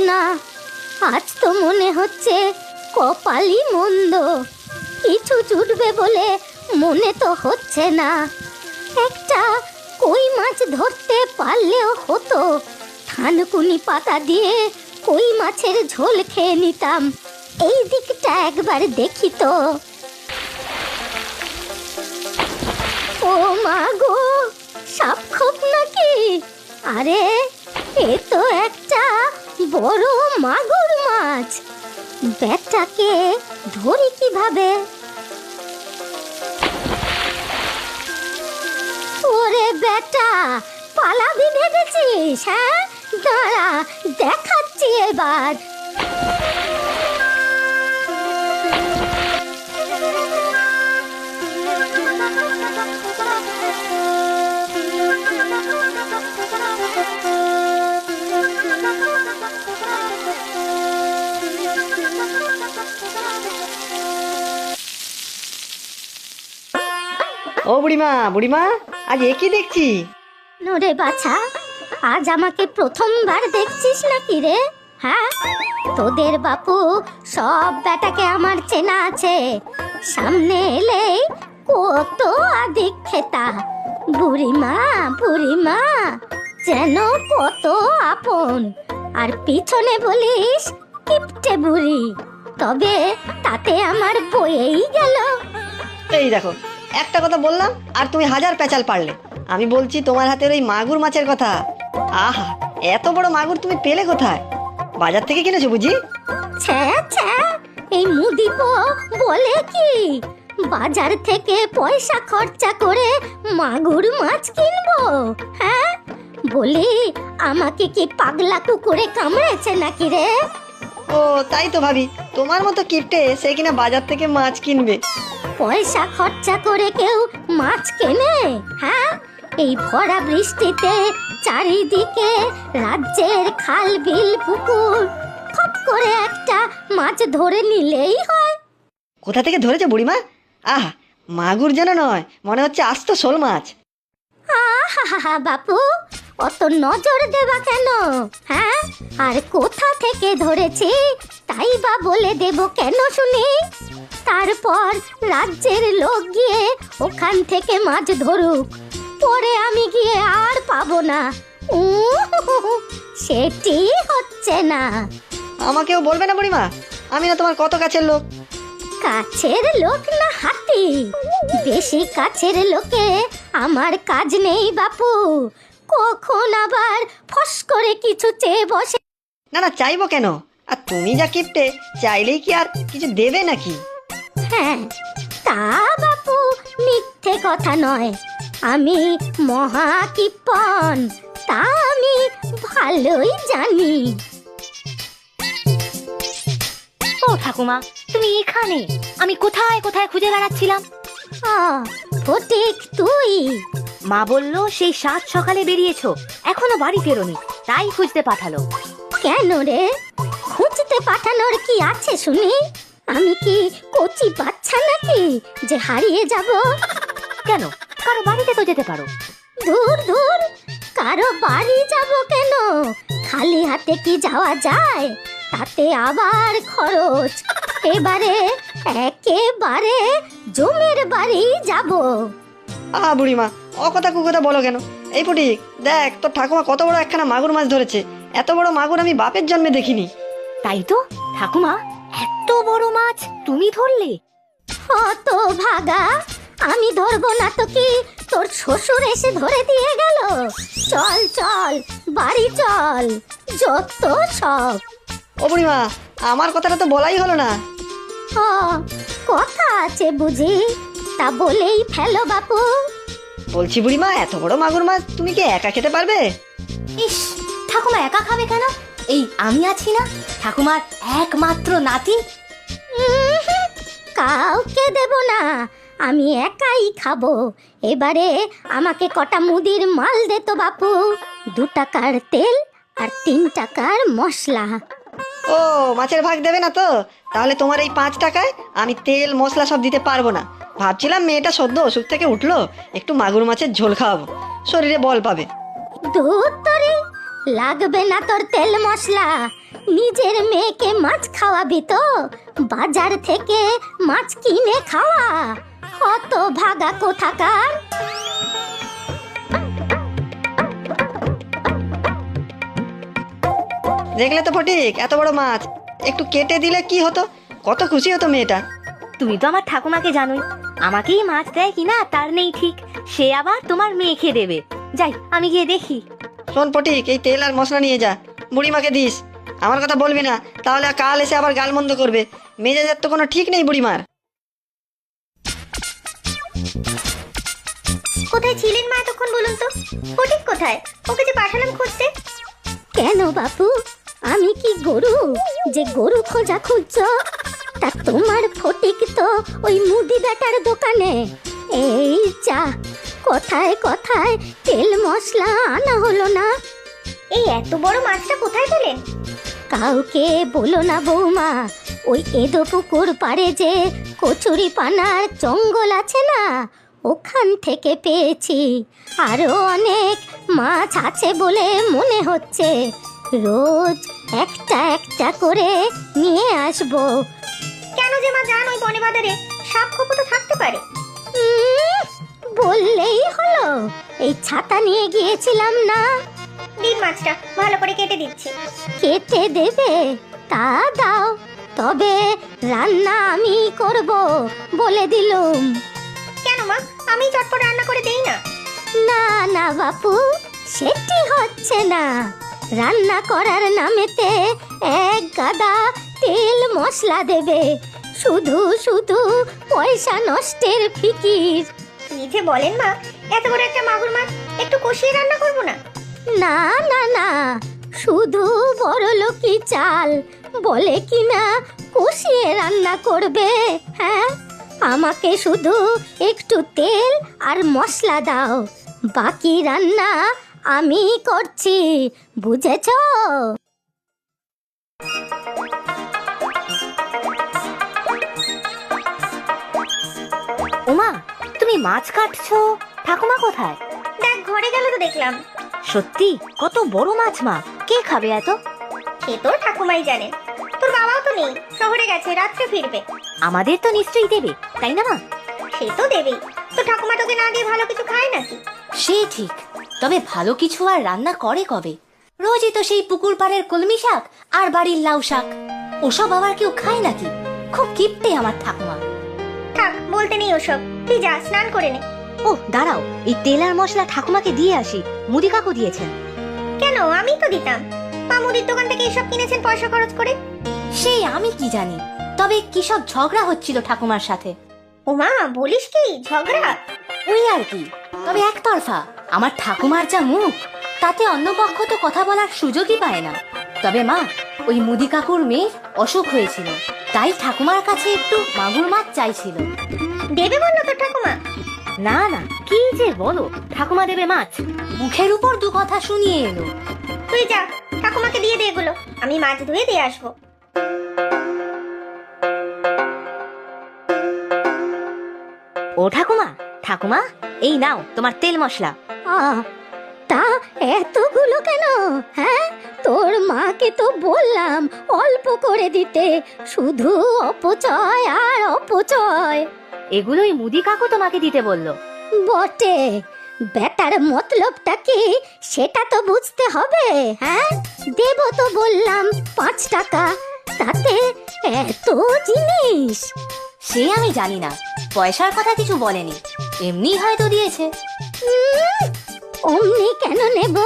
না, আজ তো মনে হচ্ছে কপালই মন্দ। কিছু জুটবে বলে মনে তো হচ্ছে না। একটা কই মাছ ধরতে পারলেও হতো। থানকুনি পাতা দিয়ে কই মাছের ঝোল খেয়ে নিতাম। এই দিকটা একবার দেখি তো। ও মা গো, সাপ খোপ নাকি? আরে এ তো একটা বড় মাগুর মাছ। ব্যাটাকে ধরি কিভাবে? ওরে বেটা, পালাবি ভেবেছিস? হ্যাঁ, দাঁড়া, দেখাচ্ছি এবার। ও বুড়িমা, বুড়িমা, আজ এ কি দেখছি? নোরে বাছা, আজ আমাকে প্রথমবার দেখছিস নাকি রে? হ্যাঁ, তোদের বাপু সব বেটাকে আমার চেনা আছে। সামনে এলেই কত আদিক খেতা। বুড়িমা বুড়িমা যেন কত আপন, আর পিছনে বলিস কিপটে বুড়ি। তবে তাতে আমার বয়েই গেল। এই দেখো, একটা কথা বললাম আর তুমি হাজার পেঁচাল পারলে। আমি বলছি তোমার হাতের ওই মাগুর মাছের কথা। আহা, এত বড় মাগুর তুমি পেলে কোথায়? বাজার থেকে কিনেছো বুঝি? ছ্যা ছ্যা, এই মুদিপো বলে কি বাজার থেকে পয়সা খরচা করে মাগুর মাছ কিনবো? হ্যাঁ, বলি আমাকে কি পাগলা কুকুরে কামড়েছে নাকি রে? ও তাই তো ভাবি, তোমার মতো কিপটে সে কিনা বাজার থেকে মাছ কিনবে। পয়সা খরচা করে কেউ মাছ কেনে? হ্যাঁ, এই ভরা বৃষ্টিতে চারিদিকে রাজ্যের খাল বিল পুকুর, খপ করে একটা মাছ ধরে নিলেই হয়। কোথা থেকে ধরেছে বুড়িমা? আহা, মাগুর যেন নয়, মনে হচ্ছে আস্ত শোল মাছ। আহা বাপু, অত নজর দেবা কেন? হ্যাঁ, আর কোথা থেকে ধরেছি তাই বা বলে দেব কেন শুনি? তারপর রাজ্যের লোক গিয়ে ওখান থেকে মাছ ধরুক, পরে আমি গিয়ে আর পাবো না। সেটি হচ্ছে না। আমাকেও বলবে না বুড়িমা? আমি না তোমার কত কাছের লোক। কাছের লোক না হাতি? বেশি কাছের লোকে আমার কাজ নেই বাপু। কখন আবার ফস করে কিছু চেয়ে বসে। না না, চাইবো কেন? আর তুমি যা কিপটে, চাইলেই কি আর কিছু দেবে নাকি? হ্যাঁ, তা বাপু মিথ্যে কথা নয়। আমি মহা কিপন, তা আমি ভালোই জানি। ও ঠাকুমা, তুমি এখানে? আমি কোথায় কোথায় খুঁজে বেড়াচ্ছিলাম। ফটিক তুই? মা বললো সেই 7 সকালে বেরিয়েছো, এখনো বাড়ি ফেরোনি, তাই খুঁজতে পাঠালো। কেন রে, খুঁজতে পাঠানোর কি আছে শুনি? আমি কি কচি বাচ্চা নাকি যে হারিয়ে যাব? কেন, কারো বাড়িতে তো যেতে পারো। দূর দূর, কারো বাড়ি যাব কেন? খালি হাতে কি যাওয়া যায়? তাতে আবার খরচ। এবারে একেবারে জমির বাড়ি যাব। আহা বুড়িমা, অকথা কুকথা বলো কেন? এই ফটিক, দেখ তোর ঠাকুমা কত বড় একখানা মাগুর মাছ ধরেছে। এত বড় মাগুর আমি বাপের জন্মে দেখিনি। তাই তো ঠাকুমা, এত বড় মাছ তুমি ধরলে? অত ভাগা, আমি ধরবো না তো কি তোর শ্বশুর এসে ধরে দিয়ে গেল? চল চল, বাড়ি চল, যত সব। ও বুড়িমা, আমার কথাটা তো বলাই হলো না। কথা আছে বুঝি? তা বলেই ফেলো বাপু। বলছি বুড়িমা, এত বড় মাগুর মাছ তুমি কি একা খেতে পারবে? ইস, ঠাকুমা একা খাবে কেন? এই আমি আছি না, ঠাকুমার একমাত্র নাতি। কাউকে দেব না, আমি একাই খাবো। এবারে আমাকে কটা মুদির মাল দে তো বাপু। 2 টাকার তেল আর 3 টাকার মশলা। ও, মাছের ভাগ দেবে না তো? তাহলে তোমার এই 5 টাকায় আমি তেল মশলা সব দিতে পারবো না। ভাবছিলাম মেয়েটা সদ্য অসুখ থেকে উঠলো, একটু মাগুর মাছের ঝোল খাওয়াবো, শরীরে বল পাবে। দূর তরি, লাগবে না তোর তেল মশলা। নিজের মেয়েকে মাছ খাওয়াবি তো বাজার থেকে মাছ কিনে খাওয়া। কত ভাগা কোথাকার। দেখলে তো ফটিক, এত বড় মাছ একটু কেটে দিলে কি হতো, কত খুশি হতো মেয়েটা। তুমি তো আমার ঠাকুমাকে জানোই, আমাকেই মাছ দেয় কিনা তার নেই ঠিক, সে আবার তোমার মেয়েকে দেবে। যাই, আমি গিয়ে দেখি। শোন ফটিক, এই তেল আর মশলা নিয়ে যা, বুড়িমাকে দিস। আমার কথা বলবি না, তাহলে কাল এসে আবার গালমন্দ করবে। মেজাজের তো কোনো ঠিক নেই বুড়িমার। কোথায় ছিলেন মা এতক্ষণ বলুন তো? ফটিক কোথায়? ওকে যে পাঠালাম খুঁজতে। কেন বাপু, আমি কি গরু যে গরু খোঁজা খুঁজছ? তা তোমার ফটিক তো ওই মুদি বেটার দোকানে। এই যা, কথায় কথায় তেল মশলা আনা হলো না। এই এত বড় মাছটা কোথায় পেলেন? কাউকে বলো না বৌমা, ওই এদো পুকুর পাড়ে যে কচুরি পানার জঙ্গল আছে না, ওখান থেকে পেয়েছি। আরো অনেক মাছ আছে বলে মনে হচ্ছে। রোজ একটা একটা করে নিয়ে আসবো। কেন যে মা যান ওই বনে বাজারে? সাপ খোপ তো থাকতে পারে। বললেই হলো, এই ছাতা নিয়ে গিয়েছিলাম না। দিন মাছটা ভালো করে কেটে দিচ্ছি। কেটে দেবে? তা দাও, তবে রান্না আমি করব বলে দিলুম। কেন মা, আমি চটপট রান্না করে দেই না? না না বাপু, সেটি হচ্ছে না। রান্না করার নামেতে এক গাদা তেল মশলা দেবে, শুধু শুধু পয়সা নষ্টের ফিকির। কি যে বলেন মা, এত বড় একটা মাগুর মাছ একটু কষিয়ে রান্না করব না? না না না, শুধু বড়লোকি চাল বলে কিনা কষিয়ে রান্না করবে? হ্যাঁ, আমাকে শুধু একটু তেল আর মশলা দাও, বাকি রান্না আমি করছি, বুঝেছ? ওমা, তুমি মাছ কাটছো, ঠাকুমা কোথায়? দেখ, ঘরে গেল তো দেখলাম। সত্যি কত বড় মাছ মা, কে খাবে এত? সে তো ঠাকুমাই জানেন। তোর বাবাও তো নেই, শহরে গেছে, রাত্রে ফিরবে। আমাদের তো নিশ্চয়ই দেবে, তাই না মা? সে তো দেবেই। তো ঠাকুমা তোকে না দিয়ে ভালো কিছু খায় নাকি? সে ঠিক, তবে ভালো কিছু আর রান্না করে কবে? রোজই তো সেই পুকুর পাড়ের কলমি শাক আর বাড়ির লাউ শাক। ওসব আবার কেউ খায় নাকি? খুব কিপটে আমার ঠাকুমা। থাক, বলতে নেই ওসব, তুই যা স্নান করে নে। ও দাঁড়াও, এই তেল আর মশলা ঠাকুমাকে দিয়ে আসি, মুদি কাকু দিয়েছেন। কেন, আমি তো দিতাম। মা মুদির দোকান থেকে এসব কিনেছেন পয়সা খরচ করে। সেই আমি কি জানি, তবে কি সব ঝগড়া হচ্ছিল ঠাকুমার সাথে। ও মা, বলিস কি ঝগড়া? ওই আর কি, তবে একতরফা। আমার ঠাকুমার যা মুখ, তাতে অন্য পক্ষ তো কথা বলার সুযোগই পায় না। তবে মা, ওই মুদি কাকুর মেয়ের অসুখ হয়েছিল, তাই ঠাকুমার কাছে একটু মাগুর মাছ চাইছিল। দেবে বললো তো ঠাকুমা? না না, কি যে বলো, ঠাকুমা দেবে মাছ? মুখের উপর দু কথা শুনিয়ে এলো। তুই যা, ঠাকুমাকে দিয়ে দে এগুলো, আমি মাছ ধুয়ে দিয়ে আসবো। ও ঠাকুমা, ঠাকুমা, এই নাও তোমার তেল মশলা। তা এতগুলো কেন? হ্যাঁ, তোর মাকে তো বললাম অল্প করে দিতে, শুধু অপচয় আর অপচয়। এগুলোই মুদি কাকু তোমাকে দিতে বললো। বটে, বেটার মতলবটা কি সেটা তো বুঝতে হবে। হ্যাঁ, দেব তো বললাম 5 টাকা, তাতে এত জিনিস। সে আমি জানি না, পয়সার কথা কিছু বলেনি, এমনি হয়তো দিয়েছে। অমনি কেন নেব?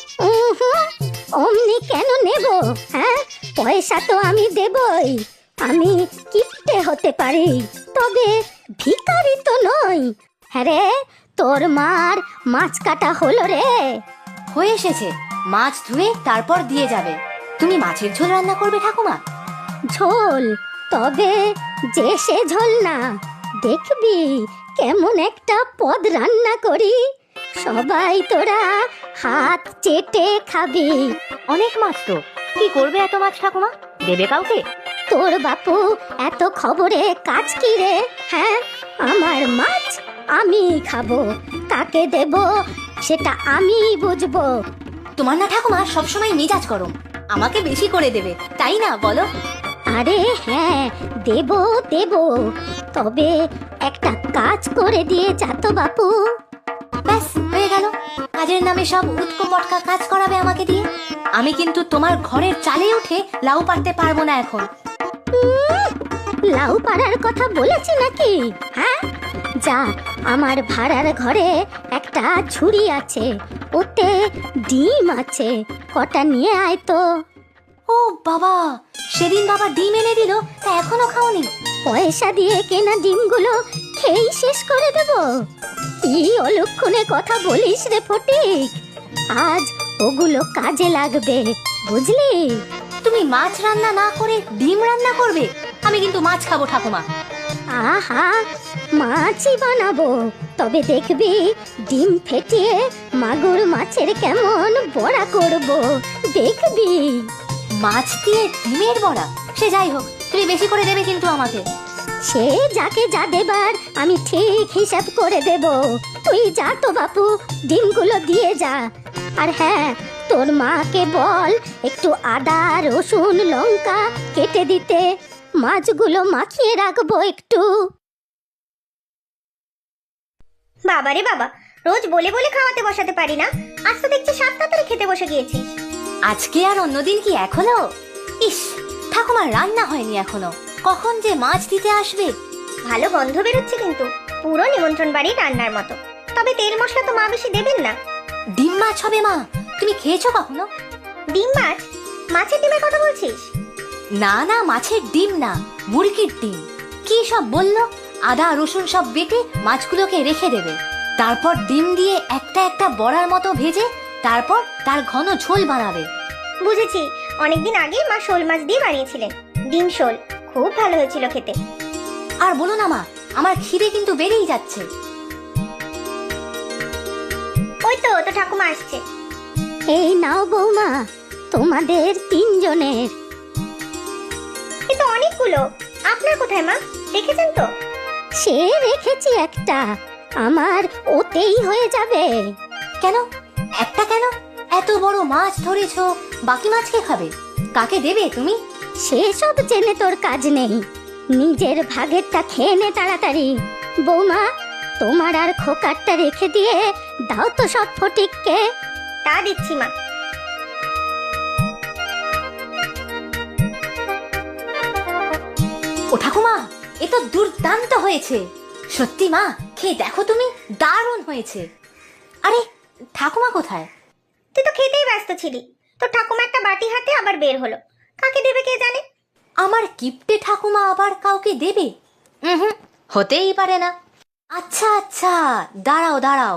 অমনি কেন নেব? হ্যাঁ, পয়সা তো আমি দেবই। আমি কিপটে হতে পারি, তবে ভিখারি তো নই। হ্যাঁ রে, তোর মার মাছ কাটা হলো রে? হয়ে এসেছে, মাছ ধুয়ে তারপর দিয়ে যাবে। তুমি মাছের ঝোল রান্না করবে ঠাকুমা? ঝোল? তবে যে সে ঝোল না, দেখবি কেমন একটা পদ রান্না করি, সবাই তোরা হাত চেটে খাবি। অনেক মাছ তো, কি করবে এত মাছ ঠাকুমা? দেবে কাউকে? তোর বাপু এত খবরে কাজ কি রে? হ্যাঁ, আমার মাছ আমি খাবো, কাকে দেব সেটা আমি বুঝবো। তোমার না ঠাকুমা সবসময় মেজাজ গরম, আমাকে বেশি করে দেবে, তাই না বলো? আরে হ্যাঁ, দেব দেব, তবে একটা কাজ করে দিয়ে যা তো বাপু। ব্যাস হয়ে গেল, কাজের নামে সব উটকো পটকা কাজ করাবে আমাকে দিয়ে। আমি কিন্তু তোমার ঘরের চালে উঠে লাউ পারতে পারবো না এখন। লাউ পাড়ার কথা বলেছি নাকি? হ্যাঁ, যা, আমার ভাড়ার ঘরে একটা ঝুড়ি আছে, ওতে ডিম আছে, কটা নিয়ে আয় তো। ও বাবা, সেদিন বাবা ডিম এনে দিল, তা এখনো খাওনি? পয়সা দিয়ে কেনা ডিমগুলো খেয়েই শেষ করে দেব? কি অলক্ষণে কথা বলিস রে ফটিক, আজ ওগুলো কাজে লাগবে, বুঝলি? তুমি মাছ রান্না না করে ডিম রান্না করবে? আমি কিন্তু মাছ খাবো ঠাকুমা। আহা, মাছই বানাবো, তবে দেখবি ডিম ফেটিয়ে মাগুর মাছের কেমন বড়া করব, দেখবি। মাছ দিয়ে ডিমের বড়া? সে যাই হোক, তুমি বেশি করে দেবে কিন্তু আমাকে। সে যাকে যা দেবার আমি ঠিক হিসাব করে দেব, তুই যা তো বাপু, ডিমগুলো দিয়ে যা। আর হ্যাঁ, তোর মাকে বল একটু আদা রসুন লঙ্কা কেটে দিতে, মাছগুলো মাখিয়ে রাখবো একটু। বাবারে বাবা, রোজ বলে বলে খাওয়াতে বসাতে পারি না, আজ তো দেখছি 7 তাড়াতাড়ি খেতে বসে গিয়েছিস। আজকে আর অন্যদিন কি এক হলো? ইস, ঠাকুমার রান্না হয়নি এখনো, কখন যে মাছ দিতে আসবে। ভালো গন্ধ বেরোচ্ছে কিন্তু, পুরো নিমন্ত্রণ বাড়ির রান্নার মতো। তবে তেল মশলা তো মা বেশি দেবেন না। ডিম মাছ হবে মা, তুমি খেয়েছো কখনো? ডিম মাছ? মাছের ডিমের কথা বলছিস? না না, মাছের ডিম না, মুরগির ডিম। কি সব বললো? আদা রসুন সব বেটে মাছগুলোকে রেখে দেবে, তারপর ডিম দিয়ে একটা একটা বড়ার মতো ভেজে তারপর তার ঘন ঝোল বানাবে। বুঝেছি, অনেকদিন আগে মা শোল মাছ দিয়ে বানিয়েছিলেন ডিম শোল, খুব ভালো হয়েছিল খেতে। আর বলো না মা, আমার খিদে কিন্তু বেড়েই যাচ্ছে। ওই তো তো ঠাকুমা আসছে। এই নাও বৌমা, তোমাদের 3 জনের। কিন্তু অনেকগুলো, আপনার কোথায় মা? দেখেছেন তো? সে রেখেছি একটা, আমার ওতেই হয়ে যাবে। কেন একটা কেন? এত বড় মাছ ধরেছো, বাকি মাছ কে খাবে? কাকে দেবে তুমি? সেসব জেনে তোর কাজ নেই, নিজের ভাগেরটা খেয়ে নে তাড়াতাড়ি। বৌমা, তোমার আর খোকারটা রেখে দিয়ে দাও তো সব ফটিককে। তা দিচ্ছি মা। ও ঠাকুমা, এ তো দুর্দান্ত হয়েছে। সত্যি মা, খেয়ে দেখো তুমি, দারুণ হয়েছে। আরে ঠাকুমা কোথায়? তুই তো খেতেই ব্যস্ত ছিলি, তোর ঠাকুমা একটা বাটি হাতে আবার বের হলো, কাকে দেবে কে জানে। আমার কিপ্টে ঠাকুমা আবার কাউকে দেবে? হুম, হতেই পারে না। আচ্ছা আচ্ছা, দাঁড়াও দাঁড়াও।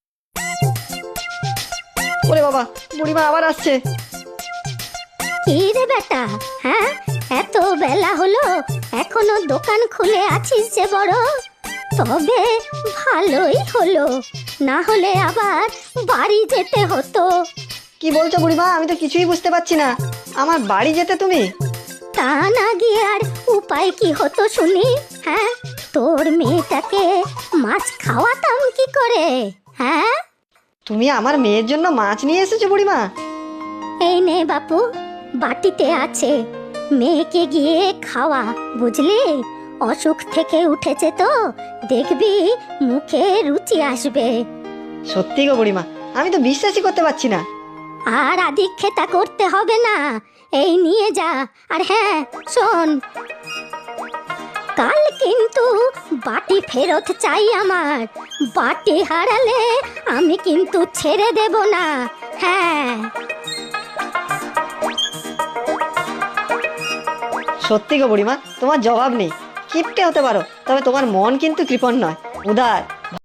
ওরে বাবা, বুড়িমা আবার আসছে। কি রে বেটা, হ্যাঁ, এত বেলা হলো এখনো দোকান খুলে আছিস যে বড়? তবে ভালোই হলো, না হলে আবার বাড়ি যেতে হতো। কি বলছো বুড়িমা? আমি তো কিছুই বুঝতে পারছি না। আমার বাড়ি যেতে তুমি? তা না গিয়ে আর উপায় কি হতো শুনি? হ্যাঁ, তোর মেয়েটাকে মাছ খাওয়াতাম কি করে? হ্যাঁ, তুমি আমার মেয়ের জন্য মাছ নিয়ে এসেছো বুড়িমা? এই নে বাপু, বাটিতে আছে, মেয়েকে গিয়ে খাওয়া, বুঝলি? অসুখ থেকে উঠেছে তো, দেখবি মুখে রুচি আসবে। সত্যি গো বুড়িমা, আমি তো বিশ্বাসই করতে পারছি না। আর আদিক্ষেতা করতে হবে না, এই নিয়ে যা। আর হ্যাঁ শোন, কাল কিন্তু বাটি ফেরত চাই আমার, বাটি হারালে আমি কিন্তু ছেড়ে দেব না। হ্যাঁ, সত্যি গো বুড়িমা, তোমার জবাব নেই। কিপটে হতে পারো, তবে তোমার মন কিন্তু কৃপণ নয়, উদার।